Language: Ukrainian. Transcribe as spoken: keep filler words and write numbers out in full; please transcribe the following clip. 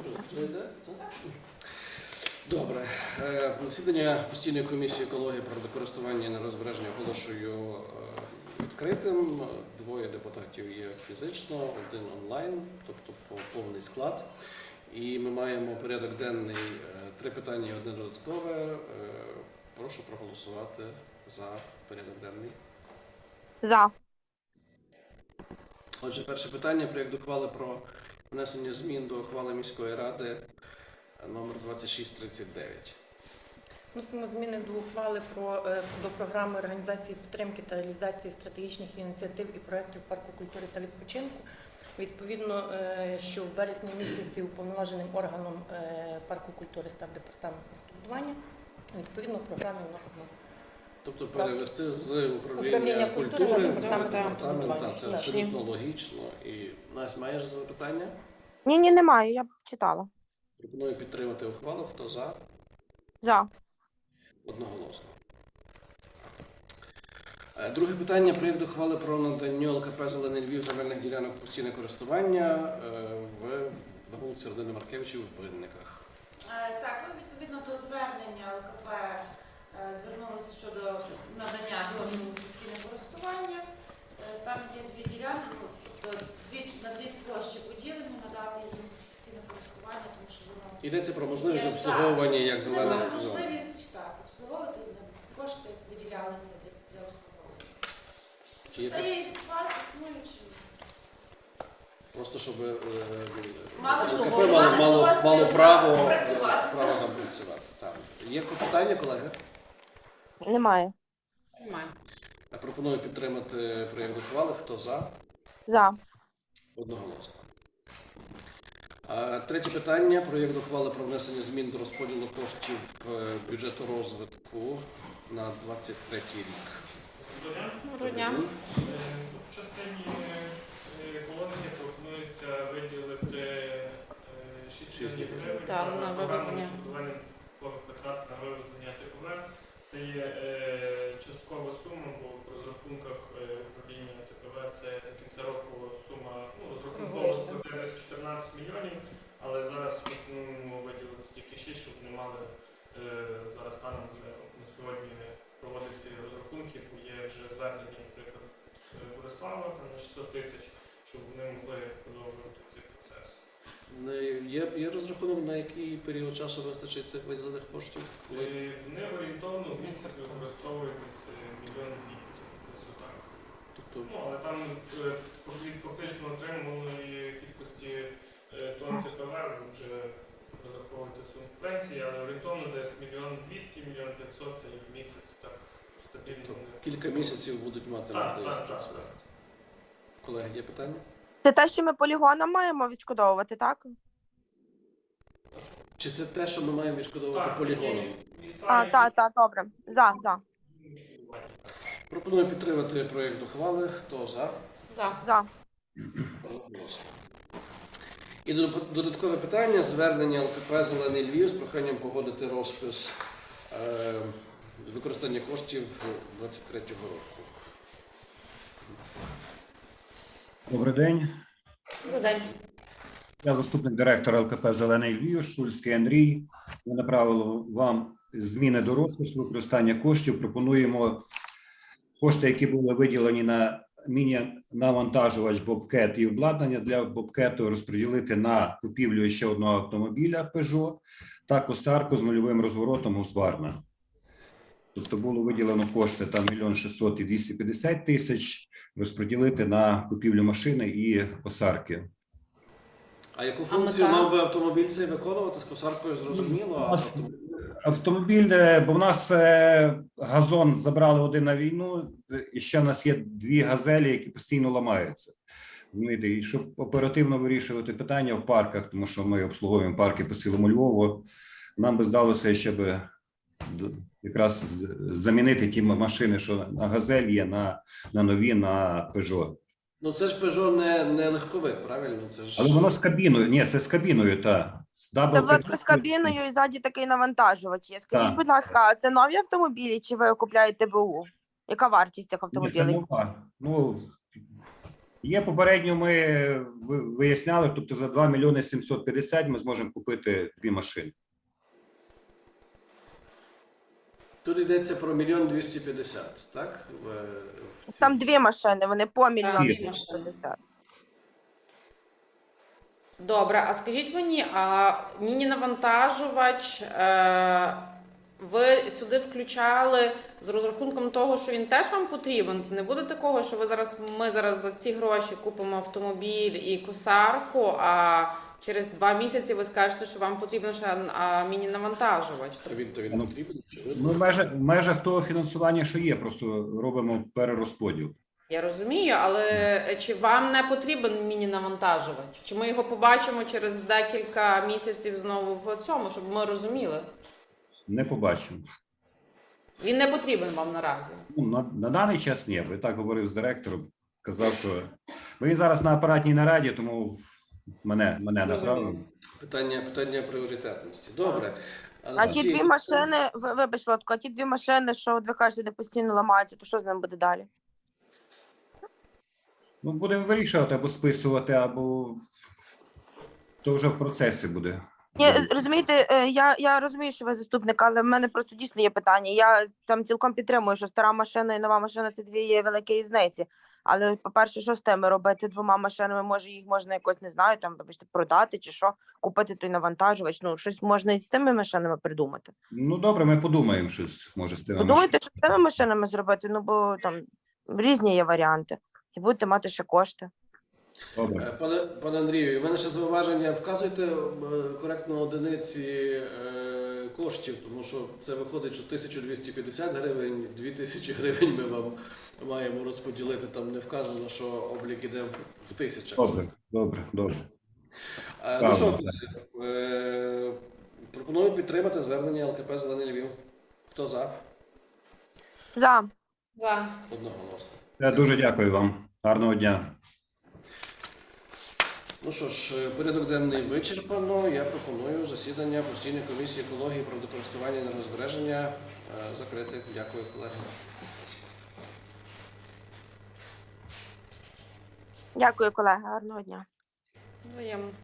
Добре. Засідання постійної комісії екології природокористування і нерозбереження оголошую відкритим. Двоє депутатів є фізично, один онлайн, тобто повний склад. І ми маємо порядок денний, три питання і одне додаткове. Прошу проголосувати за порядок денний. За. Отже, перше питання. Проєкт ухвали про внесення змін до ухвали міської ради номер двадцять шість тридцять дев'ять. Вносимо зміни до ухвали про, до програми організації підтримки та реалізації стратегічних ініціатив і проєктів парку культури та відпочинку. Відповідно, що в вересні місяці уповноваженим органом парку культури став департамент містобудування. Відповідно, в програмі вносимо. Тобто перевести з управління, управління культури, культури в на департамент. Це абсолютно логічно. І, Настя, маєш запитання? Ні, ні, немає, я читала. Пропоную підтримати ухвалу. Хто за? За. Одноголосно. Друге питання. Проєкт ухвали про надання ЛКП «Зелений Львів» земельних ділянок постійне користування в на вулиці Родини Маркевичів у Винниках. Так, ну, відповідно до звернення ЛКП звернулося щодо надання дозволу на постійне користування. Там є дві ділянки, тобто дві, на дві площі поділені, надати їм постійне користування, тому що воно... Йдеться про можливість Є, обслуговування як Це зелених була зон. можливість так, обслуговувати, кошти виділялися для, для обслуговування. Чи є Це так? є і парк існуючий. Просто щоб е, Мало ЛКП того, мало, мали мало, дозвіл мало право, е, працювати. право там працювати. Так. Є питання, колеги? Немає. Немає. Я пропоную підтримати проєкт ухвали. Хто за? За. Одноголосно. А, Третє питання. Проєкт ухвали про внесення змін до розподілу коштів е, бюджету розвитку на двадцять третій рік. Доброго дня. В частині екології пропонується виділити шість мільйонів гривень Та, на вивезення. витрат на вивезення ТПВ. Це є е, часткова сума, бо в розрахунках е, управління ТПВ це до кінця року сума, ну, розрахунково складає десь чотирнадцять мільйонів, але зараз пропонуємо виділити тільки шість, щоб не мали е, зараз станом вже на сьогодні проводити ці розрахунки, бо є вже звернення, наприклад, Борислава на шістсот тисяч, щоб вони могли продовжувати цей процес. Є, є розрахунок, на який період часу вистачить цих виділених коштів? Е, Вони орієнтовно в місяць використовують десь мільйон двісті, десь отак. Тобто, Ну, але там е, від фактично отриманої кількості е, тонн ТПВ вже розраховується субвенції, але орієнтовно десь мільйон двісті, мільйон п'ятсот це є в місяць, так стабільно. тобто кілька місяців будуть мати Так, можливість так, так, працювати. так. Колеги, є питання? Це те, що ми полігоном маємо відшкодовувати, так? Чи це те, що ми маємо відшкодовувати Так, полігоном? це міста, А, які- так, так, добре. За, за. Пропоную підтримати проєкт ухвали. Хто за? За. За. Одноголосно. І додаткове питання. Звернення ЛКП «Зелений Львів» з проханням погодити розпис е, використання коштів двадцять третього року. Добрий день. Добрий день. Я заступник директора ЛКП «Зелений Львів», Шульський Андрій. Ми направили вам зміни до розпису використання коштів. Пропонуємо кошти, які були виділені на міні-навантажувач Bobcat і обладнання для Bobcat розподілити на купівлю ще одного автомобіля Peugeot та косарку з нульовим розворотом Husqvarna. Тобто було виділено кошти там мільйон шістсот і двісті п'ятдесят тисяч розподілити на купівлю машини і косарки. А яку А функцію мета? мав би автомобіль цей виконувати? З косаркою зрозуміло, а У нас автомобіль... Автомобіль, е, бо в нас е, газон забрали один на війну, е, і ще в нас є дві газелі, які постійно ламаються. Розумієте, і щоб оперативно вирішувати питання в парках, тому що ми обслуговуємо парки по цілому Львову, нам би здалося ще би д- якраз з- замінити ті машини, що на газель є, на, на нові, на Peugeot. Ну це ж Peugeot не, не легковик, правильно? Це ж... Але воно з кабіною, ні, це з кабіною, та. З дабл Тобто з кабіною і ззаді такий навантажувач є. Скажіть, Так. будь ласка, а це нові автомобілі чи ви купляєте БУ? Яка вартість цих Ні, це автомобілів? нова. Ну, Є попередньо, ми ви- виясняли, тобто за два мільйони сімсот п'ятдесят ми зможемо купити дві машини. Тут йдеться про мільйон двісті п'ятдесят, так? В- в цій- Там дві машини, вони по мільйону Дві двісті п'ятдесят. Добре, а скажіть мені, а міні-навантажувач е, ви сюди включали з розрахунком того, що він теж вам потрібен? Це не буде такого, що ви зараз ми зараз за ці гроші купимо автомобіль і косарку, а через два місяці ви скажете, що вам потрібен ще а, міні-навантажувач. То він, то він Ну, потрібен, очевидно. Ми в межах, в межах того фінансування, що є, просто робимо перерозподіл. Я розумію, але чи вам не потрібен міні-навантажувач? Чи ми його побачимо через декілька місяців знову в цьому, щоб ми розуміли? Не побачимо. Він не потрібен вам наразі. Ну, на, на даний час ні, бо я так говорив з директором, казав, що бо він зараз на апаратній нараді, тому в- мене, мене направив. Питання, питання пріоритетності. Добре. А з ті цієї- дві машини, ви- вибач, Лотко, а ті дві машини, що от ви кажете, де постійно ламаються, то що з ними буде далі? Ну, будемо вирішувати або списувати, або то вже в процесі буде. Ні, розумієте, е, я, я розумію, що ви заступник, але в мене просто дійсно є питання. Я там цілком підтримую, що стара машина і нова машина це дві є великі різниці. Але, по-перше, що з тими робити двома машинами? Може, їх можна якось, не знаю, там, вибачте, продати чи що, купити той навантажувач. Ну, щось можна і з тими машинами придумати. Ну, добре, ми подумаємо щось, може, з тими Подумайте, що з тими машинами зробити, ну, бо там різні є варіанти. І будете мати ще кошти. Добре. Е, Пане, пане Андрію, у мене ще зауваження. Вказуйте е, коректно одиниці е, коштів, тому що це виходить, що тисяча двісті п'ятдесят гривень, дві тисячі гривень ми вам маємо розподілити. Там не вказано, що облік іде в- в тисячах. Добре, добре, добре. Е, Ну що, колеги, е, пропоную підтримати звернення ЛКП «Зелений Львів». Хто за? За. За. Одноголосно. Я дуже дякую вам. Гарного дня. Ну що ж, е, порядок денний вичерпано. Я пропоную засідання постійної комісії екології, природокористування і енергозбереження е, закрити. Дякую, колеги. Дякую, колеги. Гарного дня. Взаємно.